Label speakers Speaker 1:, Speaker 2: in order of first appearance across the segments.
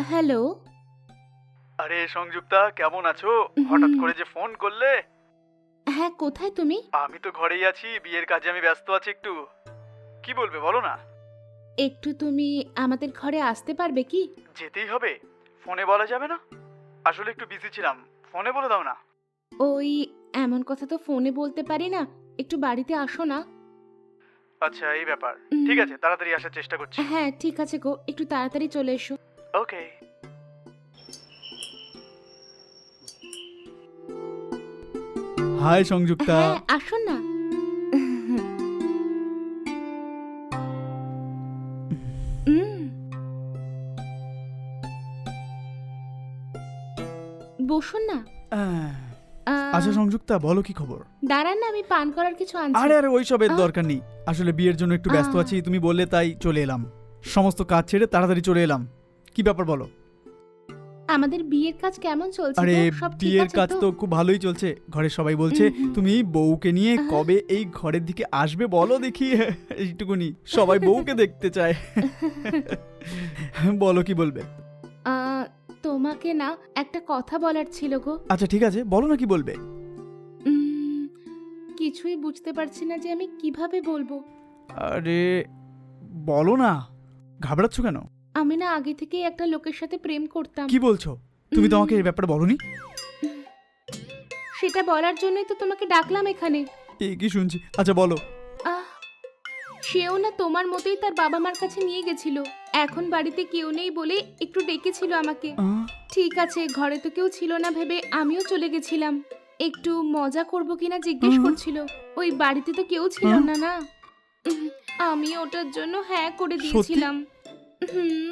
Speaker 1: Hello.
Speaker 2: আরে সংযুক্তা, কেমন আছো? হঠাৎ করে যে ফোন করলে।
Speaker 1: হ্যাঁ, কোথায় তুমি?
Speaker 2: আমি তো ঘরেই আছি, বিয়ের কাজে আমি ব্যস্ত আছি একটু। কি বলবে বলো না।
Speaker 1: একটু তুমি আমাদের ঘরে আসতে পারবে কি?
Speaker 2: যেতেই হবে? ফোনে বলা যাবে না? আসলে একটু বিজি ছিলাম, ফোনে বলে দাও না।
Speaker 1: ওই এমন কথা তো ফোনে বলতে পারি না। একটু বাড়িতে আসো না।
Speaker 2: আচ্ছা, এই ব্যাপার।
Speaker 1: উম,
Speaker 2: ঠিক আছে, তাড়াতাড়ি আসার চেষ্টা করছি।
Speaker 1: হ্যাঁ ঠিক আছে গো, একটু তাড়াতাড়ি চলে এসো।
Speaker 2: ওকে। হাই সংযুক্তা।
Speaker 1: হ্যাঁ আসো না। উম, বসুন না।
Speaker 2: আচ্ছা সংযুক্তা, বলো কি খবর?
Speaker 1: দাঁড়ান না, আমি পান করার কিছু আনছি।
Speaker 2: আরে আরে ওইসবের
Speaker 1: আহ।
Speaker 2: দরকার নেই। আসলে বিয়ের জন্য একটু ব্যস্ত
Speaker 1: আহ।
Speaker 2: আছি, তুমি বললে তাই চলে এলাম। সমস্ত কাজ ছেড়ে তাড়াতাড়ি চলে এলাম। কি ব্যাপার বলো?
Speaker 1: আমাদের বিয়ের কাজ কেমন চলছে
Speaker 2: আরে
Speaker 1: গো? সব ঠিক
Speaker 2: বিয়ের
Speaker 1: আছে
Speaker 2: কাজ
Speaker 1: তো?
Speaker 2: তো খুব ভালোই চলছে। ঘরের সবাই বলছে তুমি বউকে নিয়ে কবে এই ঘরের দিকে আসবে বলো দেখি। এইটুকুনি সবাই বউকে দেখতে চায়। বলো কি বলবে?
Speaker 1: তোমাকে না একটা কথা বলার ছিল গো।
Speaker 2: আচ্ছা ঠিক আছে, বলো না কি বলবে।
Speaker 1: উম, কিছুই বুঝতে পারছি না যে আমি কিভাবে বলবো।
Speaker 2: আরে বলো না, ঘাবড়াচ্ছ কেন?
Speaker 1: আমি না আগে থেকেই একটা লোকের সাথে প্রেম করতাম।
Speaker 2: কি বলছো? তুমি তো আমাকে এই ব্যাপারে বলোনি।
Speaker 1: সেটা বলার জন্যই তো তোমাকে ডাকলাম এখানে।
Speaker 2: এই কি শুনছি? আচ্ছা বলো।
Speaker 1: আহ, সেও না তোমার মতোই তার বাবা মার কাছে নিয়ে গেছিল। এখন বাড়িতে কেউ নেই বলে একটু ডেকেছিল আমাকে। ঠিক আছে, ঘরে তো কেউ ছিল না ভেবে আমিও চলে গেছিলাম। একটু মজা করব কিনা জিজ্ঞেস করছিল। ওই বাড়িতে তো কেউ ছিল না না। উম, আমি ওটার জন্য হ্যাঁ করে দিয়েছিলাম। হুম,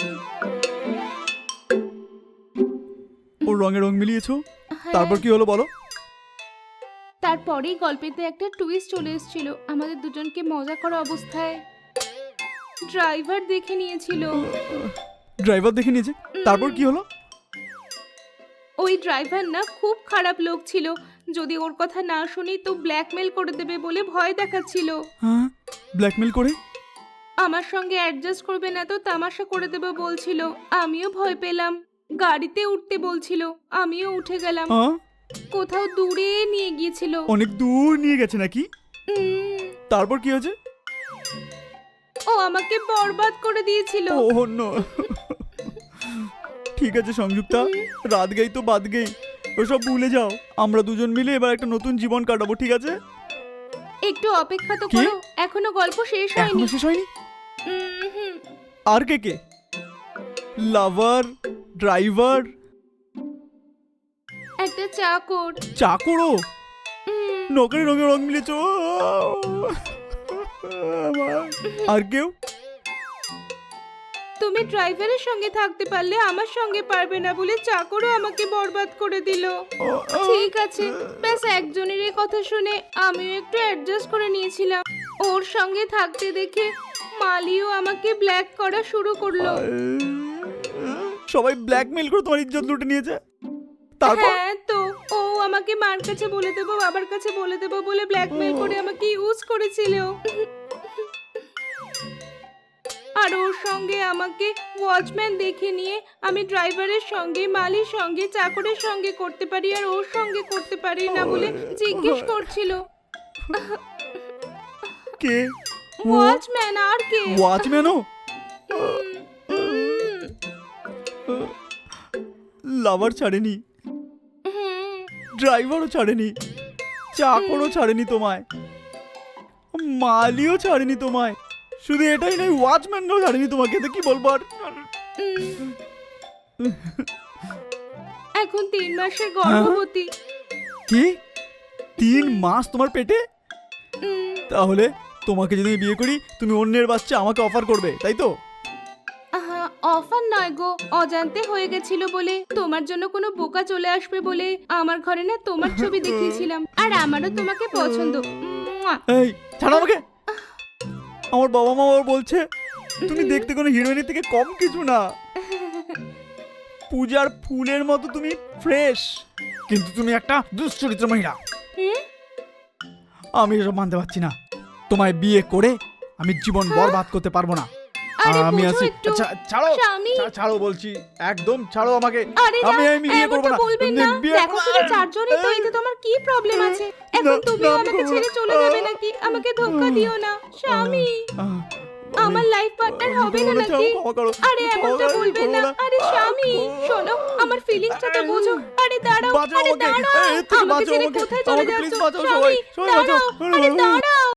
Speaker 2: ওর রঙে রং মিলিয়েছো?
Speaker 1: হ্যাঁ।
Speaker 2: তারপর কি হলো বলো?
Speaker 1: তারপরেই গল্পেতে একটা টুইস্ট চলে এসেছিল। আমাদের দুজনকে মজা করা অবস্থায় ড্রাইভার দেখে নিয়েছিল।
Speaker 2: ড্রাইভার দেখে নিয়েছে? তারপর কি হলো?
Speaker 1: ওই ড্রাইভার না খুব খারাপ লোক ছিল। যদি ওর কথা না শুনি তো ব্ল্যাকমেল করে দেবে বলে ভয় দেখাচ্ছিল।
Speaker 2: হ্যাঁ, ব্ল্যাকমেল করে?
Speaker 1: আমার সঙ্গে অ্যাডজাস্ট করবে না তো তামাশা করে দেবে বলছিল। আমিও ভয় পেলাম। গাড়িতে উঠতে বলছিল, আমিও উঠে গেলাম।
Speaker 2: হ্যাঁ,
Speaker 1: কোথাও দূরে নিয়ে গিয়েছিল।
Speaker 2: অনেক দূর নিয়ে গেছে নাকি?
Speaker 1: উম,
Speaker 2: তারপর কি হয়েছে?
Speaker 1: ও আমাকে বরবাদ করে দিয়েছিল।
Speaker 2: Oh no. ঠিক আছে সংযুক্তা, রাত গেই তো বাদ গেই, ওসব ভুলে যাও। আমরা দুজন মিলে এবার একটা নতুন জীবন কাটাবো, ঠিক আছে?
Speaker 1: একটু অপেক্ষা তো
Speaker 2: কি?
Speaker 1: করো, এখনো গল্প শেষ হয়নি।
Speaker 2: এখনো শেষ হয়নি?
Speaker 1: হুম,
Speaker 2: আর কে কে? লাভার, ড্রাইভার,
Speaker 1: একটা চাকর।
Speaker 2: চাকরও?
Speaker 1: উম,
Speaker 2: নকরে রঙে রং মিলেছো? আর কেউ?
Speaker 1: তুমি ড্রাইভারের সঙ্গে থাকতে পারলে আমার সঙ্গে পারবে না বলে চাকরও আমাকে বরবাদ করে দিল। ঠিক আছে, ব্যাস একজনেরই কথা শুনে আমিও একটু অ্যাডজাস্ট করে নিয়েছিলাম। ওর সঙ্গে থাকতে দেখে মালিও আমাকে ব্ল্যাক করা শুরু করলো।
Speaker 2: সবাই ব্ল্যাকমেল করে তোমার ইজ্জত লুটে নিয়েছে। তারপর?
Speaker 1: হ্যাঁ তো, ও আমাকে মার কাছে বলে দেবো, বাবার কাছে বলে দেবো বলে ব্ল্যাকমেল করে আমাকে ইউজ করেছিল। আর ওর সঙ্গে আমাকে ওয়াচম্যান দেখে নিয়ে আমি ড্রাইভারের সঙ্গে, মালির সঙ্গে, চাকরের সঙ্গে করতে পারি আর ওর সঙ্গে করতে পারি না বলে জিজ্ঞেস করছিল।
Speaker 2: কে?
Speaker 1: ওয়াচম্যান আর কে?
Speaker 2: ওয়াচম্যানও? লাভার ছাড়েনি, ড্রাইভারও ছাড়েনি, চাকরও ছাড়েনি তোমায়, মালিও ছাড়েনি তোমায়, শুধু এটাই নয় ওয়াচম্যানও ছাড়েনি তোমাকে। তো কি বলবো আর?
Speaker 1: এখন 3 মাসের গর্ভবতী।
Speaker 2: কি 3 মাস তোমার পেটে?
Speaker 1: উম,
Speaker 2: তাহলে তোমাকে যদি আমি বিয়ে করি তুমি অন্যের বাচ্চা আমাকে অফার করবে, তাই তো?
Speaker 1: আহা, অফার নয় গো, অজান্তে হয়ে গেছিল বলে। তোমার জন্য কোনো বোকা চলে আসবে বলে আমার ঘরে না তোমার ছবি দেখিয়েছিলাম। আর আমারও তোমাকে পছন্দ। মুয়া।
Speaker 2: এই ছাড়ো আমাকে। আমার বাবা মা আবার বলছে তুমি দেখতে কোনো হিরোইনের থেকে কম কিছু না, পূজার ফুলের মতো তুমি ফ্রেশ, কিন্তু তুমি একটা দুশ্চরিত্র মহিলা।
Speaker 1: হুম?
Speaker 2: আমি এসব মানতে পারছি না। তোমায় বিয়ে করে আমি জীবন বরবাদ করতে পারবো না।
Speaker 1: আরে
Speaker 2: আমি
Speaker 1: বোঝো
Speaker 2: আছি
Speaker 1: একটু।
Speaker 2: ছাড়ো
Speaker 1: স্বামী।
Speaker 2: ছাড়ো বলছি, একদম ছাড়ো আমাকে।
Speaker 1: আরে না,
Speaker 2: আমি বিয়ে করব
Speaker 1: এমনটা
Speaker 2: না,
Speaker 1: বলবেন না।
Speaker 2: বিয়ে
Speaker 1: দেখো
Speaker 2: করব
Speaker 1: শুধু
Speaker 2: না।
Speaker 1: চারজনই তো, এতে তোমার কি প্রবলেম আছে? এখন
Speaker 2: না,
Speaker 1: তুমি
Speaker 2: না, আমি
Speaker 1: আমাকে
Speaker 2: করবো
Speaker 1: ছেড়ে
Speaker 2: না।
Speaker 1: চলে যাবে নাকি? আমাকে ধোঁকা দিও না স্বামী। আমার লাইফ পার্টনার হবে না নাকি? আরে এমনটা বলবেন না। আরে স্বামী শোনো, আমার ফিলিংসটা তো বোঝো। আরে দাঁড়াও,
Speaker 2: বাঁচাও
Speaker 1: আরে
Speaker 2: আমাকে।
Speaker 1: দাঁড়াও,
Speaker 2: এর থেকে
Speaker 1: আমাকে
Speaker 2: বাঁচাও
Speaker 1: ছেড়ে
Speaker 2: আমাকে।
Speaker 1: কোথায় চলে
Speaker 2: আমাকে
Speaker 1: যাচ্ছ?
Speaker 2: please বাঁচাও
Speaker 1: স্বামী
Speaker 2: সবাই। সবাই বাঁচাও।
Speaker 1: দাঁড়াও, আরে দাঁড়াও।